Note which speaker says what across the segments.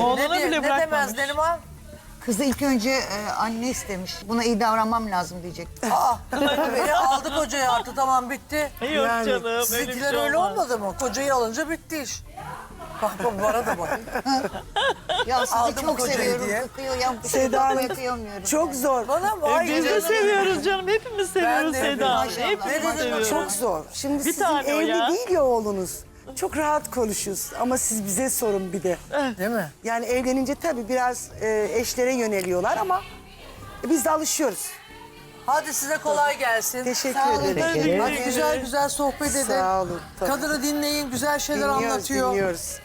Speaker 1: Oğluna bile
Speaker 2: Ne demez
Speaker 1: bırakmamış.
Speaker 2: Neriman?
Speaker 3: Kızı ilk önce anne istemiş. Buna iyi davranmam lazım diyecek.
Speaker 2: Beni aldı kocayı artık, tamam bitti.
Speaker 1: Yok canım öyle bir
Speaker 2: Sizinkiler
Speaker 1: şey
Speaker 2: öyle
Speaker 1: olmaz.
Speaker 2: olmadı mı? Kocayı alınca bitti iş. Bak bana da bak.
Speaker 3: Ya sizi
Speaker 2: Aldım
Speaker 3: çok
Speaker 2: kocayı
Speaker 3: seviyorum.
Speaker 2: diye.
Speaker 3: Seda Hanım kıyamıyorum.
Speaker 4: Çok zor.
Speaker 2: Bana mı? Ay,
Speaker 1: Biz de
Speaker 2: canım.
Speaker 1: seviyoruz canım. Hepimiz seviyoruz
Speaker 2: de
Speaker 1: Seda Hanım.
Speaker 3: maşallah.
Speaker 1: Hepimiz
Speaker 2: Ne dedim,
Speaker 1: seviyoruz.
Speaker 4: Çok zor. Şimdi
Speaker 1: Bir
Speaker 4: sizin
Speaker 1: tane o
Speaker 4: evli
Speaker 1: ya.
Speaker 4: değil ya oğlunuz. Çok rahat konuşuyoruz ama siz bize sorun bir de.
Speaker 2: Değil mi?
Speaker 4: Yani evlenince tabii biraz eşlere yöneliyorlar ama biz de alışıyoruz.
Speaker 2: Hadi size kolay gelsin.
Speaker 4: Teşekkür
Speaker 3: Sağ olun,
Speaker 4: ederim.
Speaker 2: Hadi güzel güzel sohbet edin.
Speaker 4: Sağ olun. Tabii.
Speaker 2: Kadını dinleyin, güzel şeyler
Speaker 4: Dinliyoruz,
Speaker 2: anlatıyor.
Speaker 4: dinliyoruz.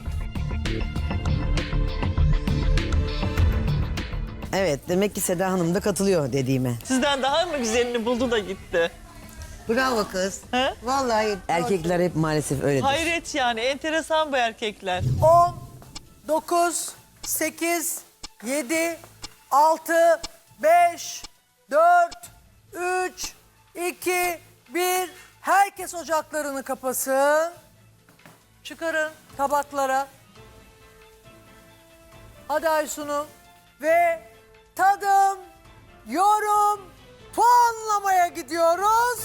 Speaker 5: Evet, demek ki Seda Hanım da katılıyor dediğime.
Speaker 1: Sizden daha mı güzelini buldu da gitti?
Speaker 3: Bravo kız.
Speaker 1: He?
Speaker 3: Vallahi.
Speaker 5: Erkekler hep maalesef öyledir.
Speaker 1: Hayret yani. Enteresan bu erkekler.
Speaker 2: 10, 9, 8, 7, 6, 5, 4, 3, 2, 1. Herkes ocaklarını kapasın. Çıkarın tabaklara. Hadi Aysun'um. Ve tadım, yorum, puanlamaya gidiyoruz.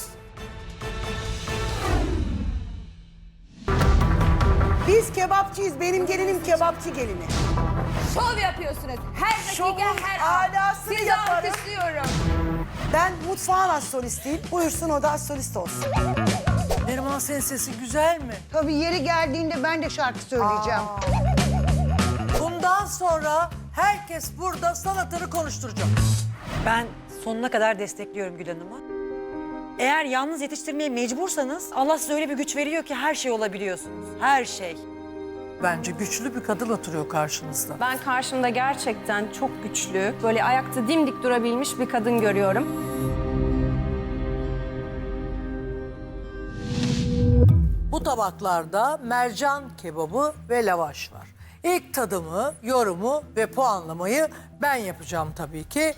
Speaker 4: Biz kebapçıyız. Benim gelinim kebapçı gelini.
Speaker 6: Şov yapıyorsunuz. Her dakika,
Speaker 4: Şovun
Speaker 6: her an.
Speaker 4: alasını
Speaker 6: Sizi
Speaker 4: yaparım.
Speaker 6: alkışlıyorum.
Speaker 4: Ben mutfağın astrolistiyim. Buyursun o da astrolist olsun.
Speaker 2: Neriman, senin sesi güzel mi?
Speaker 3: Tabii yeri geldiğinde ben de şarkı söyleyeceğim.
Speaker 2: Bundan sonra herkes burada sanatını konuşturacak.
Speaker 7: Ben sonuna kadar destekliyorum Gül Hanım'ı. Eğer yalnız yetiştirmeye mecbursanız Allah size öyle bir güç veriyor ki her şey olabiliyorsunuz. Her şey.
Speaker 2: Bence güçlü bir kadın oturuyor karşınızda.
Speaker 6: Ben karşımda gerçekten çok güçlü, böyle ayakta dimdik durabilmiş bir kadın görüyorum.
Speaker 2: Bu tabaklarda mercan kebabı ve lavaş var. İlk tadımı, yorumu ve puanlamayı ben yapacağım tabii ki.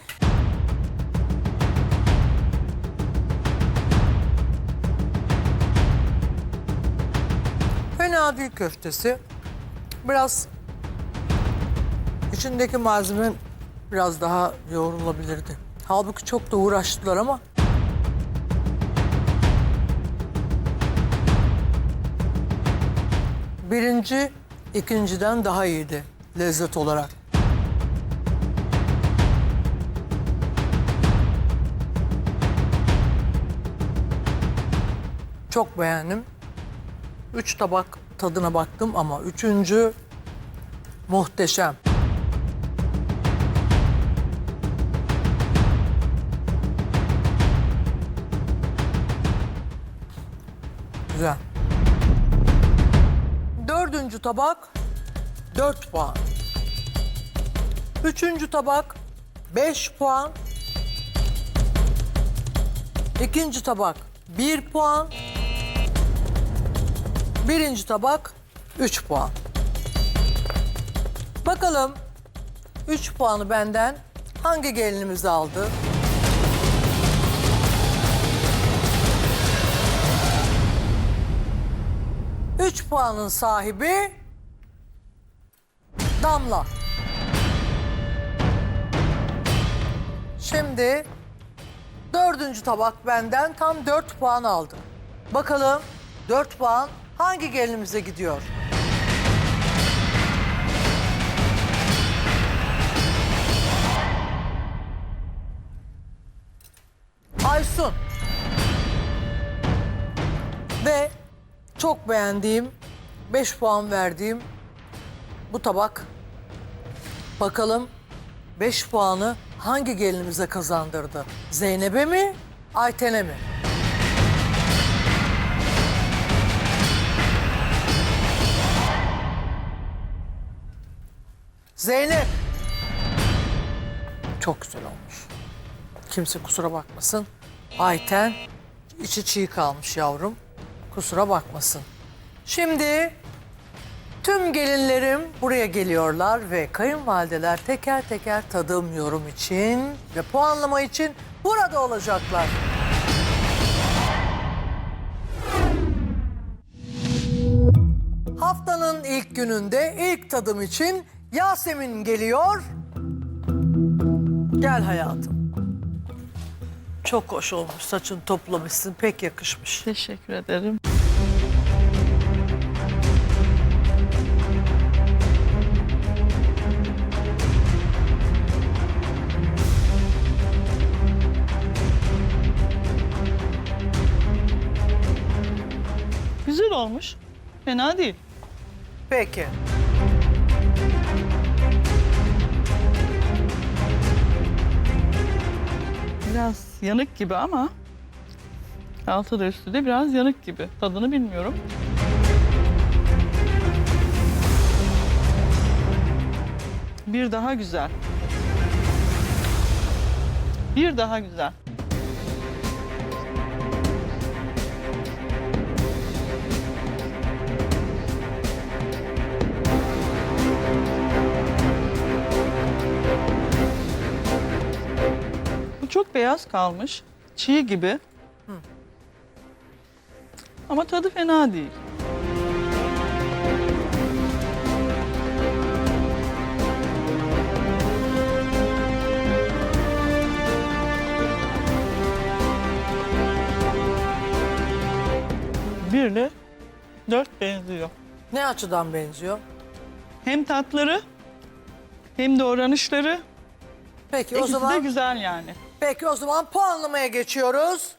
Speaker 2: Fena değil köftesi. Biraz içindeki malzeme biraz daha yoğrulabilirdi. Halbuki çok da uğraştılar ama birinci, ikinciden daha iyiydi lezzet olarak. Çok beğendim. 3 tabak tadına baktım ama üçüncü muhteşem. Güzel. Dördüncü tabak 4 puan. Üçüncü tabak 5 puan. İkinci tabak 1 puan. Birinci tabak 3 puan. Bakalım 3 puanı benden hangi gelinimiz aldı? Üç puanın sahibi Damla. Şimdi dördüncü tabak benden tam 4 puan aldı. Bakalım 4 puan hangi gelinimize gidiyor? Aysun. Ve çok beğendiğim, 5 puan verdiğim bu tabak. Bakalım 5 puanı hangi gelinimize kazandırdı? Zeynep'e mi, Ayten'e mi? Zeynep. Çok güzel olmuş. Kimse kusura bakmasın. Ayten içi çiğ kalmış yavrum. Kusura bakmasın. Şimdi tüm gelinlerim buraya geliyorlar ve kayınvalideler teker teker tadım, yorum için ve puanlama için burada olacaklar. Haftanın ilk gününde ilk tadım için Yasemin geliyor. Gel hayatım. Çok hoş olmuş. Saçını toplamışsın. Pek yakışmış.
Speaker 1: Teşekkür ederim. Güzel olmuş. Fena değil.
Speaker 2: Peki.
Speaker 1: Biraz yanık gibi ama altı da üstü de biraz yanık gibi. Tadını bilmiyorum. Bir daha güzel. Bir daha güzel. Bu çok beyaz kalmış. Çiğ gibi. Ama tadı fena değil. Birle 4 benziyor.
Speaker 2: Ne açıdan benziyor?
Speaker 1: Hem tatları hem de oranışları.
Speaker 2: Peki o
Speaker 1: İkisi de
Speaker 2: zaman
Speaker 1: güzel yani.
Speaker 2: peki o zaman puanlamaya geçiyoruz.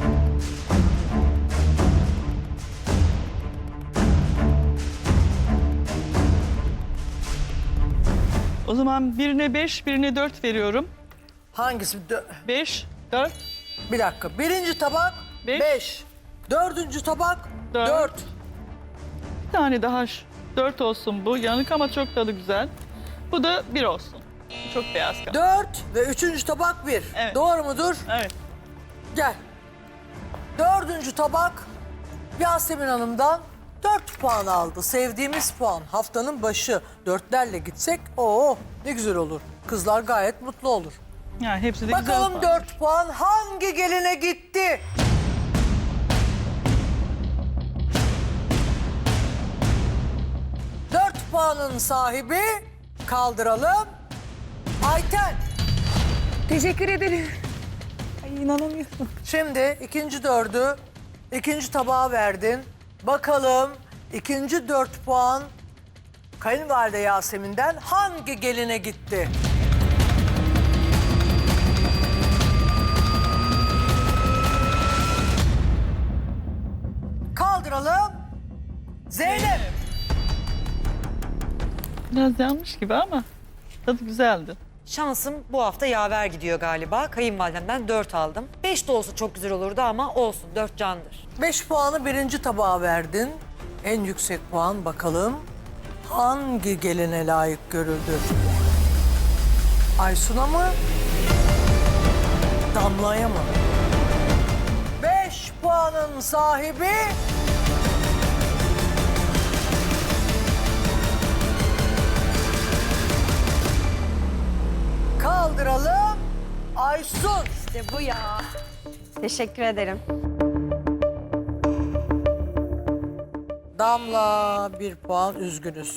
Speaker 1: O zaman birine 5, birine 4 veriyorum.
Speaker 2: Hangisi?
Speaker 1: 5, 4,
Speaker 2: Bir dakika. Birinci tabak
Speaker 1: Beş.
Speaker 2: 5. Dördüncü tabak
Speaker 1: Dört.
Speaker 2: 4.
Speaker 1: bir tane daha 4 olsun bu. Yanık ama çok tadı güzel. Bu da 1 olsun. Çok beyaz kaldı.
Speaker 2: 4 ve üçüncü tabak 1.
Speaker 1: Evet.
Speaker 2: Doğru mudur?
Speaker 1: Evet.
Speaker 2: Gel. Dördüncü tabak Yasemin Hanım'dan 4 puan aldı. Sevdiğimiz puan. Haftanın başı. 4'lerle gitsek ne güzel olur. Kızlar gayet mutlu olur.
Speaker 1: Yani hepsi de
Speaker 2: Bakalım
Speaker 1: güzel.
Speaker 2: 4 puan hangi geline gitti? Dört puanın sahibi kaldıralım. Ayten.
Speaker 6: Teşekkür ederim.
Speaker 2: Şimdi ikinci dördü ikinci tabağa verdin. Bakalım ikinci 4 puan kayınvalide Yasemin'den hangi geline gitti? Kaldıralım. Zeynep.
Speaker 1: Biraz yanmış gibi ama tadı güzeldi.
Speaker 7: Şansım bu hafta yaver gidiyor galiba. Kayınvalidemden 4 aldım. 5 de olsa çok güzel olurdu ama olsun 4 candır.
Speaker 2: 5 puanı birinci tabağa verdin. En yüksek puan bakalım hangi geline layık görüldü? Aysun'a mı? Damla'ya mı? 5 puanın sahibi kaldıralım Aysun.
Speaker 6: İşte bu ya. Teşekkür ederim.
Speaker 2: Damla 1 puan üzgünüz.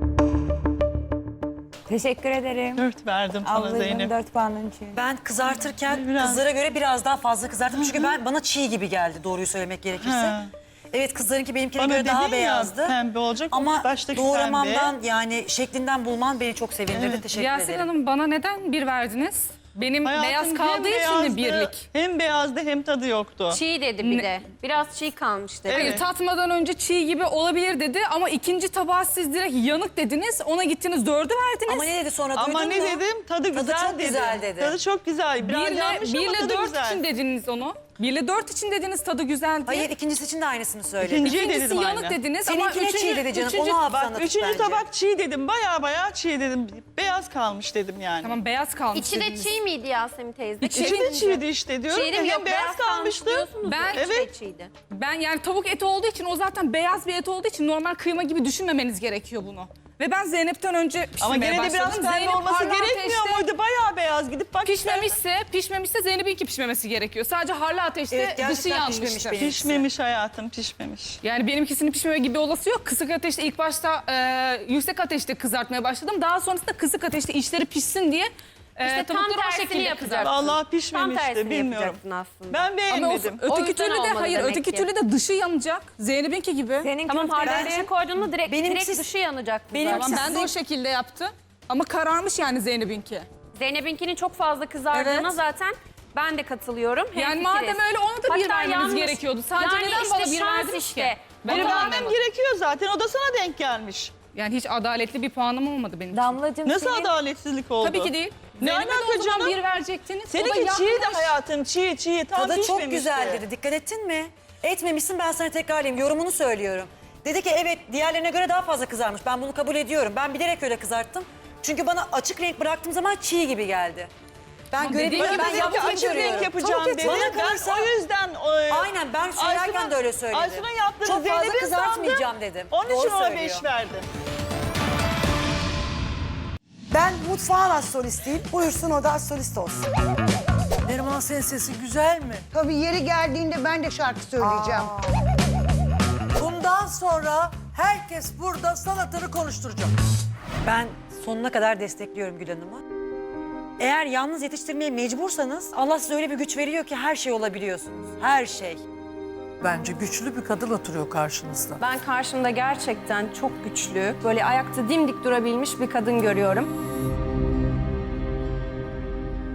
Speaker 8: Teşekkür ederim.
Speaker 1: 4 verdim sana
Speaker 8: Ablacığım
Speaker 1: Zeynep.
Speaker 8: 4 puanın için.
Speaker 7: Ben kızartırken
Speaker 1: Biraz.
Speaker 7: kızlara göre biraz daha fazla kızarttım. Çünkü bana çiğ gibi geldi doğruyu söylemek gerekirse.
Speaker 1: Ha.
Speaker 7: Evet kızlarınki benimkine
Speaker 1: Bana
Speaker 7: göre daha
Speaker 1: dedin ya,
Speaker 7: beyazdı.
Speaker 1: pembe olacak, o
Speaker 7: Ama
Speaker 1: baştaki
Speaker 7: doğramamdan yani şeklinden bulman beni çok sevindirdi.
Speaker 1: Evet.
Speaker 7: Teşekkür
Speaker 9: Yasemin
Speaker 7: ederim.
Speaker 9: Hanım bana neden 1 verdiniz? Benim
Speaker 1: Hayatım
Speaker 9: beyaz
Speaker 1: hem
Speaker 9: kaldığı için
Speaker 1: beyazdı,
Speaker 9: mi birlik?
Speaker 1: Hem beyazdı hem tadı yoktu.
Speaker 6: Çiğ dedi bir de. Biraz çiğ kalmış dedi.
Speaker 9: Hayır,
Speaker 1: Evet.
Speaker 9: tatmadan önce çiğ gibi olabilir dedi ama ikinci tabağa siz direkt yanık dediniz. Ona gittiniz 4'ü verdiniz.
Speaker 7: Ama ne dedi sonra duydun
Speaker 1: Ama
Speaker 7: mu?
Speaker 1: ne dedim? Tadı güzel
Speaker 7: çok
Speaker 1: dedi.
Speaker 7: güzel dedi.
Speaker 1: Tadı çok güzel. Biraz yanmış ama
Speaker 9: 1 ile
Speaker 1: tadı
Speaker 9: 4
Speaker 1: güzel.
Speaker 9: için dediniz onu. 1 ile 4 için dediniz tadı güzel diye.
Speaker 7: Hayır ikincisi için de aynısını söyledi.
Speaker 1: İkinciye de
Speaker 9: İkincisi
Speaker 1: dedim
Speaker 9: yanık
Speaker 1: aynı.
Speaker 9: dediniz ama
Speaker 7: Seninkine çiğ dedi canım. Onu hafızana tut
Speaker 1: Üçüncü
Speaker 7: bence.
Speaker 1: tabak çiğ dedim. Baya çiğ dedim. Beyaz kalmış dedim yani.
Speaker 9: Tamam beyaz kalmış
Speaker 6: İçi de
Speaker 9: dediniz.
Speaker 6: çiğ miydi Yasemin teyze?
Speaker 1: İçi de çiğdi işte diyorum.
Speaker 6: Çiğ de
Speaker 1: ya,
Speaker 6: mi?
Speaker 1: hem
Speaker 6: Yok,
Speaker 1: beyaz kalmıştı.
Speaker 6: diyorsunuz.
Speaker 9: Ben-
Speaker 6: İçi de
Speaker 1: Evet.
Speaker 6: çiğdi.
Speaker 9: Ben yani tavuk eti olduğu için o zaten beyaz bir et olduğu için normal kıyma gibi düşünmemeniz gerekiyor bunu. Ve ben Zeynep'ten önce
Speaker 1: Ama
Speaker 9: pişirmeye
Speaker 1: gene de biraz
Speaker 9: başladım.
Speaker 1: pembe
Speaker 9: Zeynep
Speaker 1: olması
Speaker 9: harlı
Speaker 1: gerekmiyor
Speaker 9: ateşte
Speaker 1: muydu? Bayağı beyaz gidip bak.
Speaker 9: pişmemişse Zeynep'inki pişmemesi gerekiyor. Sadece harlı ateşte
Speaker 7: Evet, gerçekten
Speaker 9: dışı yanmıştır.
Speaker 7: pişmemiş benim.
Speaker 1: Pişmemiş hayatım, pişmemiş.
Speaker 9: Yani benimkisinin pişmeme gibi olası yok. Kısık ateşte ilk başta yüksek ateşte kızartmaya başladım. Daha sonrasında kısık ateşte içleri pişsin diye
Speaker 6: İşte tam
Speaker 9: tavukları o
Speaker 6: tersini
Speaker 9: şekilde
Speaker 6: yapacaksın.
Speaker 1: Vallahi
Speaker 6: Tam
Speaker 1: pişmemişti,
Speaker 6: tersini
Speaker 1: bilmiyorum.
Speaker 6: yapacaksın aslında.
Speaker 1: Ben
Speaker 9: Ama
Speaker 1: beğenmedim.
Speaker 6: O
Speaker 9: öteki
Speaker 6: yüzden
Speaker 9: türlü de
Speaker 6: olmadı
Speaker 9: hayır,
Speaker 6: demek
Speaker 9: öteki
Speaker 6: ki.
Speaker 9: türlü de dışı yanacak. Zeynep'inki gibi.
Speaker 8: Senin
Speaker 6: Tamam harlı
Speaker 8: köfteler-
Speaker 6: ateşe koydun mu direkt
Speaker 7: Benimsiz-
Speaker 6: dışı yanacak.
Speaker 7: Benimsiz-
Speaker 9: Tamam, ben de o
Speaker 7: Sizin-
Speaker 9: şekilde yaptım. Ama kararmış yani Zeynep'inki.
Speaker 6: Zeynep'inkinin çok fazla kızardığına
Speaker 7: Evet.
Speaker 6: zaten ben de katılıyorum.
Speaker 9: Yani
Speaker 6: Hemfikiriz.
Speaker 9: madem öyle ona da bir
Speaker 6: Hatta
Speaker 9: vermeniz
Speaker 6: yalnız-
Speaker 9: gerekiyordu. Sadece
Speaker 6: yani
Speaker 9: neden
Speaker 6: işte
Speaker 9: bana bir
Speaker 6: şans
Speaker 9: verdiniz
Speaker 6: işte.
Speaker 9: ki?
Speaker 1: Beni
Speaker 9: Onu
Speaker 1: vermem
Speaker 9: anlamadım.
Speaker 1: gerekiyor zaten. O da sana denk gelmiş.
Speaker 9: Yani hiç adaletli bir puanım olmadı benim için.
Speaker 8: Damlacığım
Speaker 1: Nasıl
Speaker 8: senin
Speaker 1: adaletsizlik oldu?
Speaker 9: Tabii ki değil.
Speaker 1: Ne
Speaker 9: Zeynep'e de
Speaker 1: alaka
Speaker 9: o zaman
Speaker 1: canım?
Speaker 9: bir verecektiniz. O da
Speaker 1: Seninki çiğ de
Speaker 9: yapmış.
Speaker 1: hayatım, çiğ. Tam
Speaker 7: Tadı çok
Speaker 1: pişmemişti.
Speaker 7: güzel dedi. Dikkat ettin mi? Etmemişsin, ben sana tekrarlayayım. Yorumunu söylüyorum. Dedi ki evet, diğerlerine göre daha fazla kızarmış. Ben bunu kabul ediyorum. Ben bilerek öyle kızarttım. Çünkü bana açık renk bıraktığım zaman çiğ gibi geldi. Ben
Speaker 9: dediğim
Speaker 7: görebiliyorum.
Speaker 9: gibi
Speaker 7: Ben
Speaker 1: Dedim ki
Speaker 7: yaptığımı
Speaker 1: açık renk
Speaker 7: görüyorum.
Speaker 1: yapacağım
Speaker 7: Tabii ki,
Speaker 1: dedi.
Speaker 7: bana
Speaker 1: Ben
Speaker 7: kalırsa-
Speaker 1: o yüzden...
Speaker 7: Aynen, ben söylerken de öyle söyledim.
Speaker 1: Aysun'un yaptığını
Speaker 7: Çok fazla
Speaker 1: Zeynep'in
Speaker 7: kızartmayacağım
Speaker 1: sandım.
Speaker 7: dedim.
Speaker 1: Onun
Speaker 7: Doğru
Speaker 1: için ona
Speaker 7: söylüyor.
Speaker 1: 5 verdim.
Speaker 4: Ben mutfağın astrolistiyim. Buyursun o da astrolist olsun.
Speaker 2: Neriman senin sesin güzel mi?
Speaker 3: Tabii yeri geldiğinde ben de şarkı söyleyeceğim.
Speaker 2: Bundan sonra herkes burada sanatını konuşturacak.
Speaker 7: Ben sonuna kadar destekliyorum Gül Hanım'ı. Eğer yalnız yetiştirmeye mecbursanız Allah size öyle bir güç veriyor ki her şey olabiliyorsunuz. Her şey.
Speaker 2: Bence güçlü bir kadın oturuyor karşınızda.
Speaker 6: Ben karşımda gerçekten çok güçlü, böyle ayakta dimdik durabilmiş bir kadın görüyorum.